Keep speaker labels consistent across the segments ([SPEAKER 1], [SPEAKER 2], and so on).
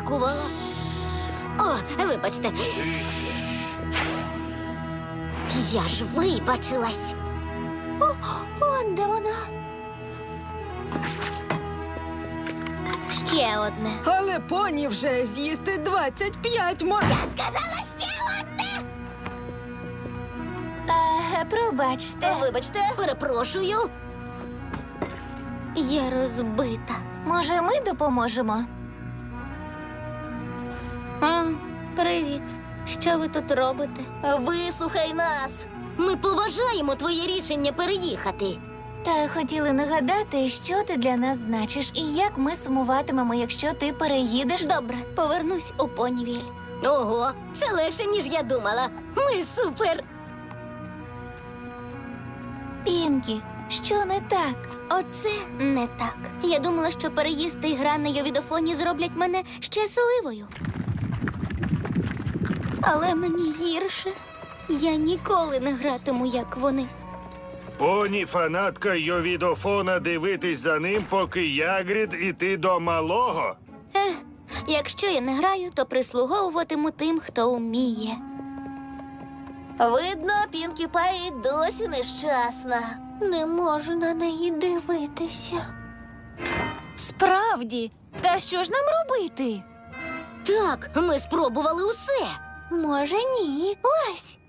[SPEAKER 1] очікувала. О, вибачте. Я ж вибачилась. Он де вона. Ще одне.
[SPEAKER 2] Але поні вже з'їсти 25 може.
[SPEAKER 1] Я сказала ще одне.
[SPEAKER 3] Пробачте.
[SPEAKER 1] Вибачте. Перепрошую. Я розбита.
[SPEAKER 3] Може, ми допоможемо?
[SPEAKER 1] Привіт. Що ви тут робите?
[SPEAKER 3] Вислухай нас.
[SPEAKER 1] Ми поважаємо твоє рішення переїхати.
[SPEAKER 3] Та хотіли нагадати, що ти для нас значиш і як ми сумуватимемо, якщо ти переїдеш.
[SPEAKER 1] Добре, повернусь у Понівіль. Ого, це легше, ніж я думала. Ми супер.
[SPEAKER 3] Пінкі, що не так?
[SPEAKER 1] Оце не так. Я думала, що переїзд і гра на йовідофоні зроблять мене щасливою. Але мені гірше. Я ніколи не гратиму, як вони.
[SPEAKER 4] Поні фанатка йовідофона дивитись за ним, поки Ягрід іти до малого.
[SPEAKER 1] Якщо я не граю, то прислуговуватиму тим, хто вміє.
[SPEAKER 3] Видно, Пінкі Пай досі нещасна.
[SPEAKER 1] Не можу на неї дивитися.
[SPEAKER 3] Справді? Та що ж нам робити?
[SPEAKER 1] Так, ми спробували усе.
[SPEAKER 3] Може, ні. Ось.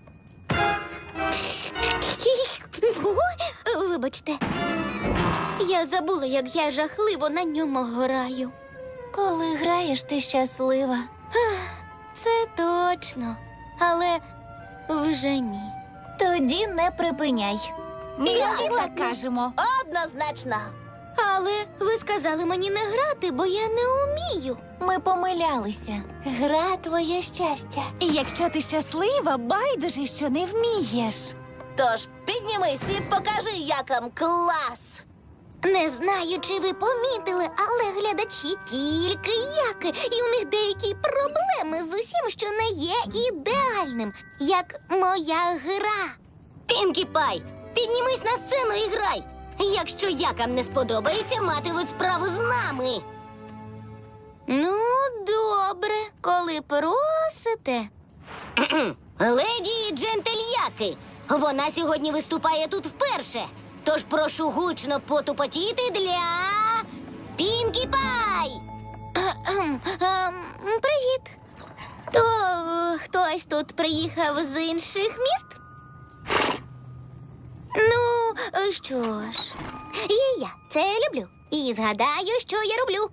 [SPEAKER 1] Вибачте. Я забула, як я жахливо на ньому граю.
[SPEAKER 3] Коли граєш, ти щаслива.
[SPEAKER 1] Це точно. Але вже ні.
[SPEAKER 3] Тоді не припиняй.
[SPEAKER 1] всі так
[SPEAKER 3] кажемо. Однозначно.
[SPEAKER 1] Але ви сказали мені не грати, бо я не вмію.
[SPEAKER 3] Ми помилялися. Гра твоє щастя.
[SPEAKER 5] І якщо ти щаслива, байдуже, що не вмієш.
[SPEAKER 3] Тож піднімись і покажи, якам клас.
[SPEAKER 1] Не знаю, чи ви помітили, але глядачі тільки яки, і у них деякі проблеми з усім, що не є ідеальним, як моя гра. Пінкі Пай, піднімись на сцену і грай. Якщо якам не сподобається, матимуть справу з нами. Ну, добре, коли просите. Леді і джентельяки, вона сьогодні виступає тут вперше. Тож прошу гучно потупотіти для Пінкі Пай. Привіт. То хтось тут приїхав з інших міст? Ну, що ж, і я це люблю. І згадаю, що я роблю.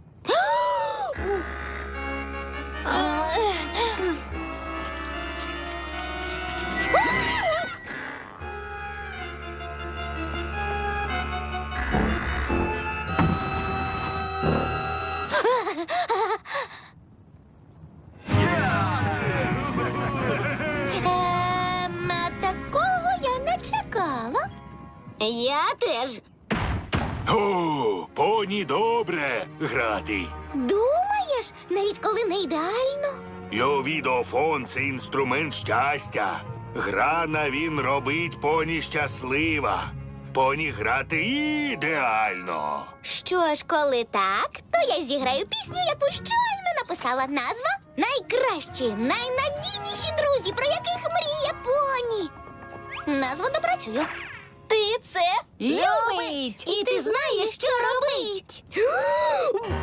[SPEAKER 1] Такого я не чекала. Я теж.
[SPEAKER 4] О, поні добре грати.
[SPEAKER 1] Думаєш, навіть коли не ідеально?
[SPEAKER 4] Йовідофон – це інструмент щастя. Грана він робить поні щаслива. Поні грати ідеально.
[SPEAKER 1] Що ж, коли так, то я зіграю пісню, яку щойно написала. Назва «Найкращі, найнадійніші друзі, про яких мріє поні». Назва допрацює.
[SPEAKER 3] Ти це
[SPEAKER 5] Любить!
[SPEAKER 1] І ти знаєш, що робить.